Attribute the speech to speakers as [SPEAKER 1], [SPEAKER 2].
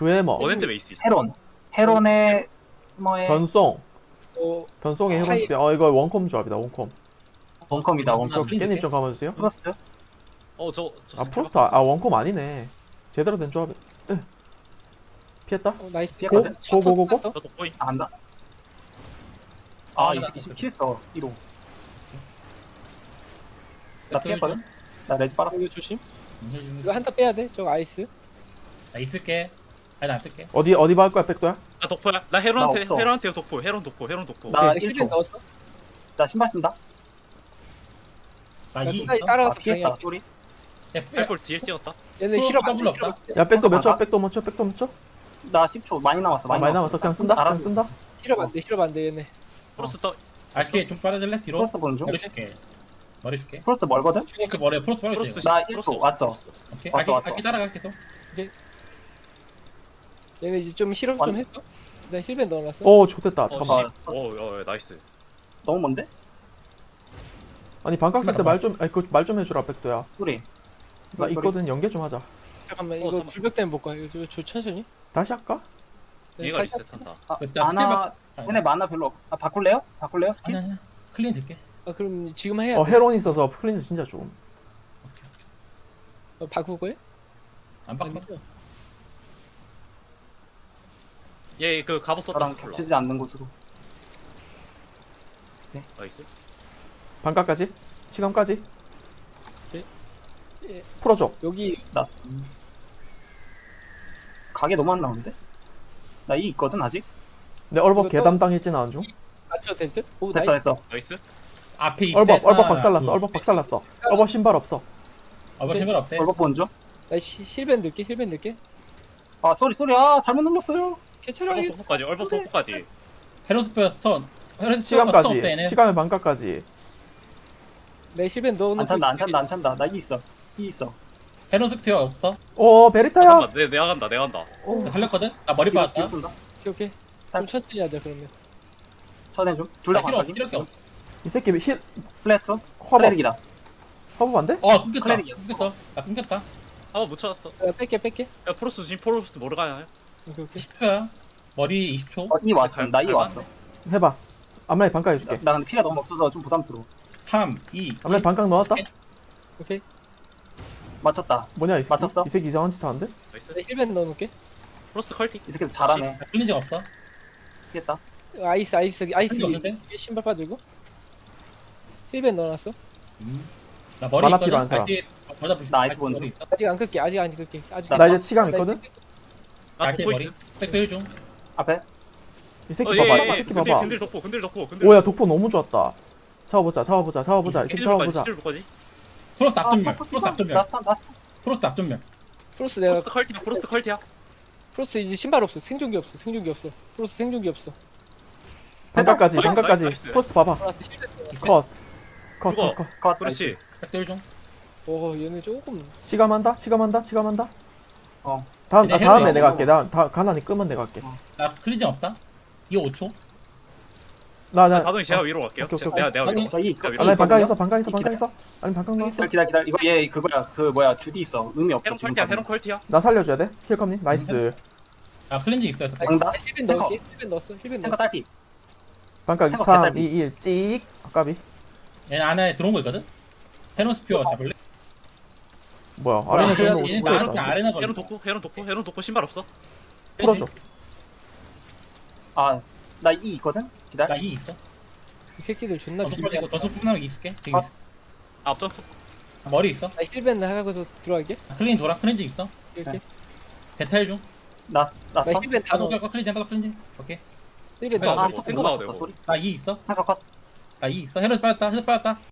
[SPEAKER 1] 그에머
[SPEAKER 2] 원핸드 베이스 있어.
[SPEAKER 3] 헤론의 뭐에
[SPEAKER 1] 변송
[SPEAKER 4] 어,
[SPEAKER 1] 변송의
[SPEAKER 4] 하이-
[SPEAKER 1] 헤론스피 이거 원컴 조합이다 원컴.
[SPEAKER 3] 원컴이다 원컴.
[SPEAKER 5] 클린
[SPEAKER 1] 깻잎
[SPEAKER 5] 줄게.
[SPEAKER 1] 좀 감아주세요.
[SPEAKER 3] 프로스트.
[SPEAKER 2] 저
[SPEAKER 1] 프로스트 원컴 아니네. 제대로 된 조합. 피했다.
[SPEAKER 4] 나이스.
[SPEAKER 3] 피했거든?
[SPEAKER 1] 고고고고.
[SPEAKER 2] 저도 보이.
[SPEAKER 3] 안 한다. 아
[SPEAKER 5] 아,
[SPEAKER 3] 이거
[SPEAKER 5] 나-
[SPEAKER 3] 20킬했어 1호. 나
[SPEAKER 5] 백도
[SPEAKER 3] 피했거든?
[SPEAKER 5] 좀.
[SPEAKER 3] 나 레지 빨았어.
[SPEAKER 4] 이거 조심.
[SPEAKER 5] 힐 좀.
[SPEAKER 4] 이거 한타 빼야 돼. 저거 아이스.
[SPEAKER 5] 나 있을게. 아니 나안 쓸게.
[SPEAKER 1] 어디 할 거야 백도야?
[SPEAKER 2] 나 독포야. 나
[SPEAKER 3] 나
[SPEAKER 2] 헤론한테
[SPEAKER 3] 없어.
[SPEAKER 2] 헤론한테 독포. 헤론 독포.
[SPEAKER 3] 나
[SPEAKER 4] 힐
[SPEAKER 3] 1초.
[SPEAKER 4] 넣었어.
[SPEAKER 3] 나 신발 쓴다.
[SPEAKER 5] 나
[SPEAKER 4] 나
[SPEAKER 5] 2
[SPEAKER 4] 끝까지
[SPEAKER 5] 있어.
[SPEAKER 3] 아
[SPEAKER 4] 따라가서
[SPEAKER 3] 피했다
[SPEAKER 4] 방해.
[SPEAKER 3] 소리.
[SPEAKER 5] 야,
[SPEAKER 2] 헬볼 뒤에 찍었다.
[SPEAKER 4] 얘네
[SPEAKER 5] 프로
[SPEAKER 4] 실어
[SPEAKER 5] 더블 없다.
[SPEAKER 1] 야 백도 몇 초?
[SPEAKER 3] 아,
[SPEAKER 1] 백도 몇 초? 백도 몇 초?
[SPEAKER 3] 나 10초 많이 남았어.
[SPEAKER 1] 많이 남았어. 그냥 쓴다. 그냥
[SPEAKER 3] 알았어.
[SPEAKER 1] 쓴다.
[SPEAKER 4] 실어 반대. 실어 반대 얘네.
[SPEAKER 2] 프로스 떠.
[SPEAKER 5] 알게 좀 빨아줄래? 뒤로.
[SPEAKER 3] 프로스트 보는 중.
[SPEAKER 5] 머리 줄게. 머리 줄게.
[SPEAKER 3] 프로스트 멀거든?
[SPEAKER 5] 그 머리에 프로스 빨아줄게.
[SPEAKER 2] 프로스
[SPEAKER 3] 나
[SPEAKER 2] 프로스
[SPEAKER 3] 1초 왔어.
[SPEAKER 2] 프로스 없어.
[SPEAKER 5] 오케이.
[SPEAKER 3] 왔어,
[SPEAKER 5] 알게
[SPEAKER 3] 왔어.
[SPEAKER 5] 따라가 계속.
[SPEAKER 4] 얘네 이제 좀 실업 좀 했어. 나 힐벤 넣어놨어.
[SPEAKER 1] 오 좋됐다. 잠깐만.
[SPEAKER 2] 나이스.
[SPEAKER 3] 너무 먼데?
[SPEAKER 1] 아니 반각 쓸 때 말 좀 말 좀 해주라 백도야.
[SPEAKER 3] 소리.
[SPEAKER 1] 나 있거든. 연계 좀 하자.
[SPEAKER 4] 잠깐만 이거
[SPEAKER 2] 잠깐만.
[SPEAKER 4] 불벽 때문에 못 가. 이거 천천히.
[SPEAKER 1] 다시 할까?
[SPEAKER 4] 네,
[SPEAKER 2] 얘가
[SPEAKER 4] 다시
[SPEAKER 2] 리셋한다.
[SPEAKER 3] 아,
[SPEAKER 5] 그래서 나
[SPEAKER 3] 만화
[SPEAKER 5] 스킬
[SPEAKER 3] 얘네 만화 별로 없. 아 바꿀래요? 바꿀래요? 스킬?
[SPEAKER 5] 아니 아니야. 클린 들게.
[SPEAKER 4] 아 그럼 지금 해야 돼.
[SPEAKER 1] 헤론 있어서 클린즈 진짜 좋음.
[SPEAKER 5] 오케이 오케이.
[SPEAKER 4] 바꿀 거야?
[SPEAKER 5] 안 바꿔.
[SPEAKER 2] 얘그 갑옷 썼다.
[SPEAKER 3] 저랑
[SPEAKER 2] 스콜라.
[SPEAKER 3] 겹치지 않는 곳으로.
[SPEAKER 2] 나이스.
[SPEAKER 1] 반각까지. 치감까지.
[SPEAKER 4] 오케이. 예.
[SPEAKER 1] 풀어줘.
[SPEAKER 4] 여기
[SPEAKER 3] 나 가게 너무 안 나오는데? 나 이 있거든 아직?
[SPEAKER 1] 내 얼법
[SPEAKER 4] 이거 또-
[SPEAKER 1] 개담당 일진 나온 중.
[SPEAKER 4] 맞춰도 될 듯? 오
[SPEAKER 3] 됐어
[SPEAKER 4] 나이스.
[SPEAKER 3] 됐어.
[SPEAKER 2] 나이스.
[SPEAKER 5] 앞에 있어.
[SPEAKER 1] 얼법 박살났어. 얼법 박살났어. 얼법 신발 없어.
[SPEAKER 5] 얼법 힘을 없대.
[SPEAKER 3] 얼굴 보는 중.
[SPEAKER 4] 나 힐벤 넣을게. 힐벤 넣을게.
[SPEAKER 3] 아 소리 아 잘못 눌렀어요.
[SPEAKER 4] 캐처를
[SPEAKER 2] 얼법
[SPEAKER 4] 하게.
[SPEAKER 2] 독포까지. 얼법 독포까지.
[SPEAKER 5] 헤로스페어 스톤. 헤로스페어 스톤
[SPEAKER 1] 치감까지.
[SPEAKER 5] 없대 얘네.
[SPEAKER 1] 치감의 반각까지.
[SPEAKER 4] 내 힐벤 넣어놓고.
[SPEAKER 3] 안 찬다. 나 이 있어. 이 있어.
[SPEAKER 5] 헤로스페어 없어.
[SPEAKER 1] 오 베리타야.
[SPEAKER 2] 잠깐만. 내가 간다.
[SPEAKER 5] 나 살렸거든. 나 머리 빠졌다.
[SPEAKER 3] 쏜다.
[SPEAKER 4] 오케이. 좀 천천히 하자 그러면.
[SPEAKER 3] 쳐내 좀. 둘 다
[SPEAKER 5] 나 힐
[SPEAKER 3] 반각이.
[SPEAKER 5] 힐 없어.
[SPEAKER 1] 이 새끼 힐
[SPEAKER 3] 플래터.
[SPEAKER 1] 화법
[SPEAKER 3] 클레릭이다.
[SPEAKER 1] 화법 안 돼?
[SPEAKER 5] 끊겼다.
[SPEAKER 3] 클레릭이야.
[SPEAKER 5] 끊겼어. 나 끊겼다.
[SPEAKER 2] 한번 못 찾았어.
[SPEAKER 4] 야, 뺄게.
[SPEAKER 2] 야 프로스 지금 프로스 뭐를 가냐?
[SPEAKER 4] 오케이.
[SPEAKER 5] 10초야. 머리 20초.
[SPEAKER 3] 이 왔어. 나 이
[SPEAKER 2] 잘
[SPEAKER 3] 왔어.
[SPEAKER 1] 해봐. 앞라인 반각 해줄게.
[SPEAKER 3] 나 근데 피가 너무 없어서 좀 부담스러워.
[SPEAKER 5] 3, 2,
[SPEAKER 1] 앞라인 반각 넣었다.
[SPEAKER 4] 오케이.
[SPEAKER 3] 맞췄다.
[SPEAKER 1] 뭐냐 이 새끼?
[SPEAKER 3] 맞췄어?
[SPEAKER 1] 이 새끼 이상한 짓 하는데?
[SPEAKER 2] 나이스.
[SPEAKER 4] 내 힐벤 넣어놓을게.
[SPEAKER 2] 프로스 컬티.
[SPEAKER 3] 이 새끼 잘하네.
[SPEAKER 5] 클린 적 없어.
[SPEAKER 3] 피했다.
[SPEAKER 4] 아이스
[SPEAKER 5] 클린 없는데?
[SPEAKER 4] 위에 신발 빠지고. 힐벤 넣어놨어.
[SPEAKER 5] 나 머리
[SPEAKER 1] 만화
[SPEAKER 5] 있거든.
[SPEAKER 1] 필요한 사람.
[SPEAKER 5] 알게 맞아 보시.
[SPEAKER 3] 나 아이스 본드.
[SPEAKER 5] 머리 있어.
[SPEAKER 4] 아직 안 끌게. 아직 안 끌게. 아직.
[SPEAKER 1] 나 이제 치감 있거든.
[SPEAKER 2] 나
[SPEAKER 5] 알게
[SPEAKER 2] 독포
[SPEAKER 5] 머리.
[SPEAKER 2] 있음.
[SPEAKER 5] 백도 1중.
[SPEAKER 3] 앞에.
[SPEAKER 1] 이 새끼
[SPEAKER 2] 어,
[SPEAKER 1] 봐봐.
[SPEAKER 2] 예,
[SPEAKER 1] 이 새끼
[SPEAKER 2] 근딜,
[SPEAKER 1] 봐봐.
[SPEAKER 2] 근딜 독포.
[SPEAKER 1] 오야 독포 너무 좋았다. 잡아보자. 이 새끼 잡아보자.
[SPEAKER 2] 힐볼까지.
[SPEAKER 5] 프로스 앞전면. 프로스 앞전면.
[SPEAKER 3] 나
[SPEAKER 5] 프로스 앞전면.
[SPEAKER 4] 프로스 내가
[SPEAKER 2] 프로스 컬티야.
[SPEAKER 4] 프로스 이제 신발 없어. 생존기 없어. 프로스 생존기 없어.
[SPEAKER 1] 반각까지.
[SPEAKER 2] 나이스,
[SPEAKER 1] 반각까지.
[SPEAKER 2] 나이스.
[SPEAKER 1] 포스트 봐봐.
[SPEAKER 4] 프로스 힐벤 넣어놨어.
[SPEAKER 1] 컷.
[SPEAKER 2] 그거.
[SPEAKER 1] 컷.
[SPEAKER 3] 컷.
[SPEAKER 2] 그렇지.
[SPEAKER 5] 백도 1중.
[SPEAKER 4] 오 얘네 조금.
[SPEAKER 1] 치감한다.
[SPEAKER 3] 어.
[SPEAKER 1] 다음에
[SPEAKER 5] 해봐.
[SPEAKER 1] 내가 할게. 나 가난이 끄면 내가 할게.
[SPEAKER 5] 나 클린 적 없다. 이거 5초.
[SPEAKER 1] 나
[SPEAKER 2] 가동이 제가 위로 갈게요.
[SPEAKER 1] 오케이,
[SPEAKER 2] 제가 내가 위로.
[SPEAKER 3] 저이
[SPEAKER 2] 야,
[SPEAKER 3] 있거.
[SPEAKER 1] 앞라인 반각 있어. 아니 반각 넣었어.
[SPEAKER 3] 기다려. 이거 얘 그거야. 그 뭐야 주디 있어. 의미 없어
[SPEAKER 2] 헤론
[SPEAKER 3] 지금.
[SPEAKER 2] 컬티야. 헤론 컬티야.
[SPEAKER 1] 나 살려줘야 돼. 킬컴님. 나이스.
[SPEAKER 5] 나 클린지 있어요.
[SPEAKER 3] 정답.
[SPEAKER 4] 나 힐벤 넣을게. 힐벤 넣었어. 힐벤
[SPEAKER 3] 탱커
[SPEAKER 4] 넣었어.
[SPEAKER 3] 딸피.
[SPEAKER 1] 반각
[SPEAKER 3] 해봐,
[SPEAKER 1] 3,
[SPEAKER 3] 개딸기.
[SPEAKER 1] 2, 1 찍. 아까비.
[SPEAKER 5] 얘 안에 들어온 거 있거든. 헤로스피어 잡을래?
[SPEAKER 1] 뭐야? 아래는 그냥
[SPEAKER 5] 얘네
[SPEAKER 1] 오지
[SPEAKER 5] 나
[SPEAKER 1] 있다.
[SPEAKER 5] 아레나 걸려.
[SPEAKER 2] 헤론 독포 신발 없어.
[SPEAKER 1] 풀어줘.
[SPEAKER 3] 아, 나 이 있거든. 기다려.
[SPEAKER 5] 나2 있어.
[SPEAKER 4] 이 새끼들 존나
[SPEAKER 5] 더속
[SPEAKER 4] 비비야.
[SPEAKER 5] 빠지고 더속 끝나면 있을게. 지금
[SPEAKER 3] 아.
[SPEAKER 5] 있어.
[SPEAKER 2] 앞전.
[SPEAKER 5] 아, 머리 있어.
[SPEAKER 4] 나 힐벤 하고서 들어갈게.
[SPEAKER 5] 아, 클린 돌아. 클린지 있어.
[SPEAKER 4] 이렇게.
[SPEAKER 5] 베탈 중.
[SPEAKER 3] 나
[SPEAKER 4] 나 힐벤 다 넣어.
[SPEAKER 5] 클린지 클린지. 오케이.
[SPEAKER 4] 힐벤
[SPEAKER 5] 아,
[SPEAKER 4] 다 넣어.
[SPEAKER 2] 탱커 나와도 되고.
[SPEAKER 3] 소리.
[SPEAKER 5] 나2 있어.
[SPEAKER 3] 탱커 컷.
[SPEAKER 5] 나2 있어. 헤로스 빠졌다.